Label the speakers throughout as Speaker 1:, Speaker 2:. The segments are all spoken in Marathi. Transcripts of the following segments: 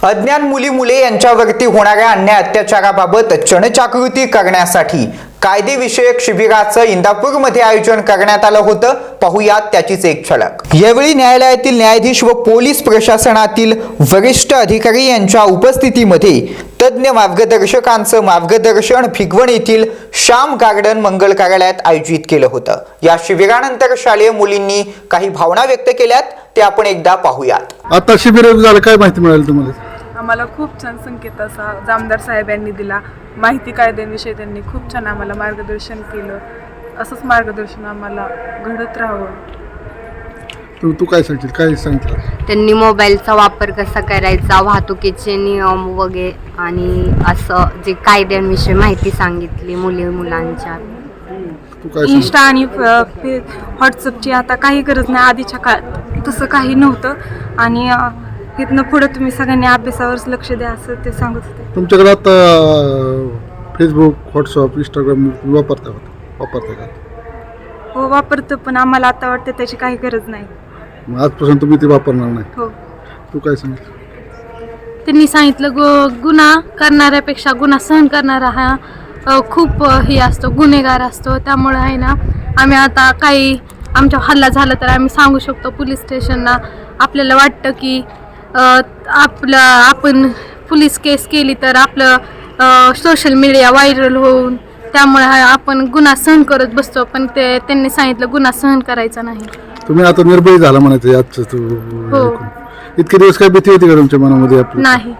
Speaker 1: अज्ञान मुली यांच्यावरती होणाऱ्या अन्याय अत्याचाराबाबत जनजागृती करण्यासाठी कायदेविषयक शिबिराचं इंदापूरमध्ये आयोजन करण्यात आलं होतं। पाहुयात त्याचीच एक झलक। यावेळी न्यायालयातील न्यायाधीश व पोलीस प्रशासनातील वरिष्ठ अधिकारी यांच्या उपस्थितीमध्ये तज्ञ मार्गदर्शकांचं मार्गदर्शन भिगवण येथील श्याम गार्डन मंगल कार्यालयात आयोजित केलं होतं। या शिबिरानंतर शालेय मुलींनी काही भावना व्यक्त केल्यात, ते आपण एकदा पाहूयात।
Speaker 2: आता शिबिर झालं, काय माहिती मिळाली तुम्हाला?
Speaker 3: आम्हाला खूप छान संकेत असा जामदार साहेब यांनी दिला। माहिती कायद्यांविषयी त्यांनी खूप छान आम्हाला मार्गदर्शन केलं। असंच मार्गदर्शन आम्हाला घडत राहावं।
Speaker 2: तू काय सांगशील, काय सांगितलं?
Speaker 4: त्यांनी मोबाईलचा वापर कसा करायचा, वाहतुकीचे नियम वगैरे आणि असं जे कायद्यांविषयी माहिती सांगितली मुलांच्या।
Speaker 2: तू काय
Speaker 3: इंस्टा आणि व्हॉट्सअपची आता काही गरज नाही, आधीच्या काळात तसं काही नव्हतं। आणि इथनं पुढे तुम्ही सगळ्यांनी अभ्यासावर लक्ष द्या असं ते सांगत होते।
Speaker 2: तुमच्याकडे आता फेसबुक, व्हॉट्सअप, इंस्टाग्राम वापरता का?
Speaker 3: हो वापरतो, पण आम्हाला आता वाटतं त्याची काही गरज नाही।
Speaker 2: मग आजपासून तुम्ही ते वापरणार नाही?
Speaker 3: हो।
Speaker 2: तू काय सांगितलं?
Speaker 5: त्यांनी सांगितलं गुन्हा करणाऱ्यापेक्षा गुन्हा सहन करणारा हा खूप हे असतो, गुन्हेगार असतो। त्यामुळे आहे ना, आम्ही आता काही आमच्या हल्ला झाला तर आम्ही सांगू शकतो पोलीस स्टेशनला। आपल्याला वाटतं की आपण पोलीस केस केली तर आपलं सोशल मीडिया व्हायरल होऊन त्यामुळे आपण गुन्हा सहन करत बसतो, पण त्यांनी सांगितलं गुन्हा सहन करायचा नाही।
Speaker 2: तुम्ही आता निर्भय झाला म्हणायचं आजचं
Speaker 5: हो।
Speaker 2: इतके दिवस काय भीती होती का तुमच्या मनामध्ये?
Speaker 5: नाही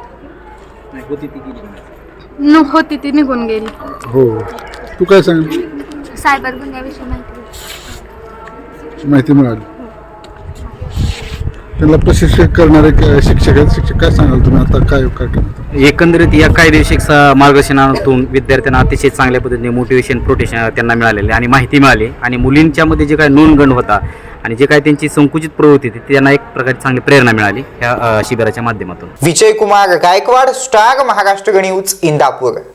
Speaker 5: होती ती निघून गेली।
Speaker 2: हो। तू काय सांग?
Speaker 4: सायबर गुन्ह्याविषयी
Speaker 2: माहिती मिळाली? त्यांना प्रशिक्षण करणारे शिक्षक काय सांगाल तुम्ही? आता काय करणार?
Speaker 6: एकंदरीत या कायदेविषयक मार्गदर्शनातून विद्यार्थ्यांना अतिशय चांगल्या पद्धतीने मोटिवेशन, प्रोटेक्शन त्यांना मिळालेले आणि माहिती मिळाली। आणि मुलींच्या मध्ये जे काही नोंदगण होता आणि जे काही त्यांची संकुचित प्रवृत्ती होती त्यांना एक प्रकारची चांगली प्रेरणा मिळाली ह्या शिबिराच्या माध्यमातून।
Speaker 1: Vijay Kumar Gaikwad, Star Maharashtra News, Indapur.